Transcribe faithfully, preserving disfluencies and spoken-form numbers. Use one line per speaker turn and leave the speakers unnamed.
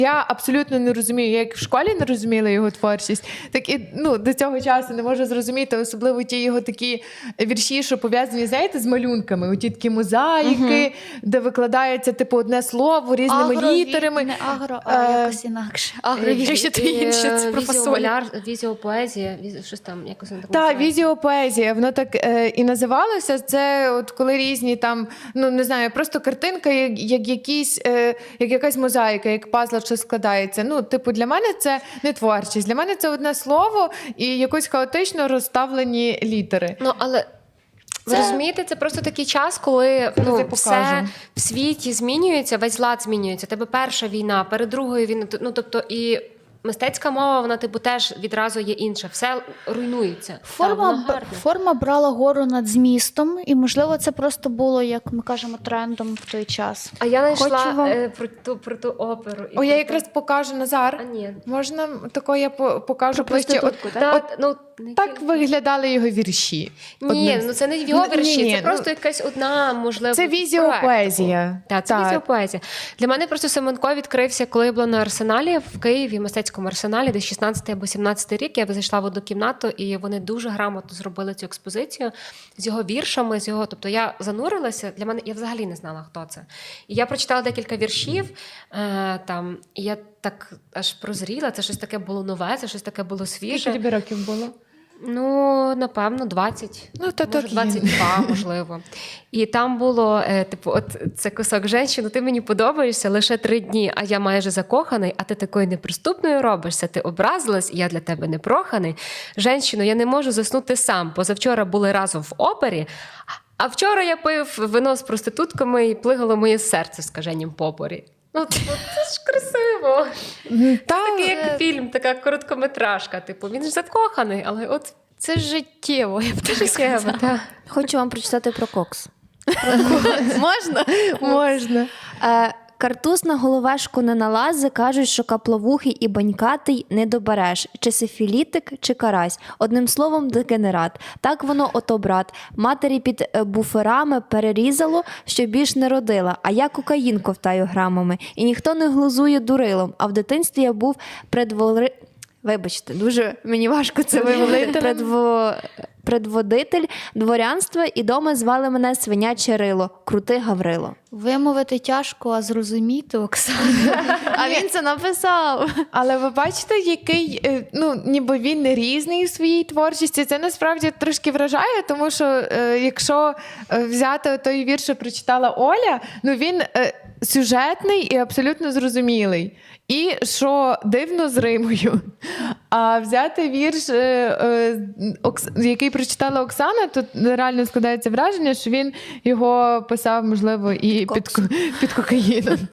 Я абсолютно не розумію, я як в школі не розуміла його творчість, так і ну, до цього часу не можу зрозуміти, особливо ті його такі вірші, що пов'язані, знаєте, з малюнками. Оті такі мозаїки, угу. де викладається типу одне слово різними
агро,
літерами.
Не агро, а е... якось інакше.
Агровірші то інше, це про фасоль.
Візіопоезія, щось там якось не так.
Так, візіопоезія, воно так е, і називалося. Це от коли різні там, ну не знаю, просто картинка, як, як якісь, е, як якась мозаїка, як пазл, що складається. Ну, типу, для мене це не творчість. Для мене це одне слово і якось хаотично розставлені літери.
Ну, але ви це... розумієте, це просто такий час, коли ну, все в світі змінюється, весь лад змінюється. Тебе перша війна, перед другою війною, ну, тобто і мистецька мова, вона типу теж відразу є інша. Все руйнується.
Форма,
Та,
форма брала гору над змістом, і, можливо, це просто було, як ми кажемо, трендом в той час.
А я знайшла
вам...
е, про, ту, про ту оперу.
О, я якраз покажу, Назар.
А, ні.
Можна тако я покажу ближче? От,
та,
от,
ну,
так виглядали його вірші.
Ні,
Одним...
ну це не його вірші,
ні, ні,
це просто якась одна, можливо,
це візіопоезія.
Так, це візіопоезія. Для мене просто Семенко відкрився, коли я була на Арсеналі в Києві, в мистецькому Арсеналі, десь шістнадцятий або сімнадцятий рік. Я зайшла в одну кімнату, і вони дуже грамотно зробили цю експозицію з його віршами, з його, тобто я занурилася, для мене, я взагалі не знала, хто це. І я прочитала декілька віршів, е, там, і я так аж прозріла, це щось таке було нове, це щось таке було свіже.
Скільки тобі років було?
Ну, напевно, двадцять,
ну, то
може, двадцять два, можливо. І там було, е, типу, от це кусок «Женщину, ти мені подобаєшся лише три дні, а я майже закоханий, а ти такою неприступною робишся, ти образилась, я для тебе непроханий. Женщину, я не можу заснути сам, позавчора були разом в опері, а вчора я пив вино з проститутками і плигало моє серце в скаженім попорі. Ну, це ж красиво. Це такий, як фільм, така короткометражка. Типу, він ж закоханий, але от
це життєво, я б так сказала.
Так.
Хочу вам прочитати про кокс.
Можна? Можна.
Картуз на головешку не налази, кажуть, що капловухий і банькатий не добереш. Чи сифілітик, чи карась. Одним словом, дегенерат. Так воно ото, брат. Матері під буферами перерізало, що більш не родила. А я кокаїн ковтаю грамами. І ніхто не глузує дурилом. А в дитинстві я був предвори... Вибачте, дуже мені важко це вимовити. Предво... Предводитель дворянства, і дома звали мене свиняче рило, крути Гаврило.
Вимовити тяжко, а зрозуміти, Оксана.
А він це написав.
Але ви бачите, який, ну, ніби він не різний у своїй творчості. Це насправді трошки вражає, тому що е, якщо взяти той вірш, що прочитала Оля, ну він е, сюжетний і абсолютно зрозумілий. І що дивно з римою. А взяти вірш, е, е, Окс... який прочитала Оксана, тут реально складається враження, що він його писав, можливо, і під, під кокаїном.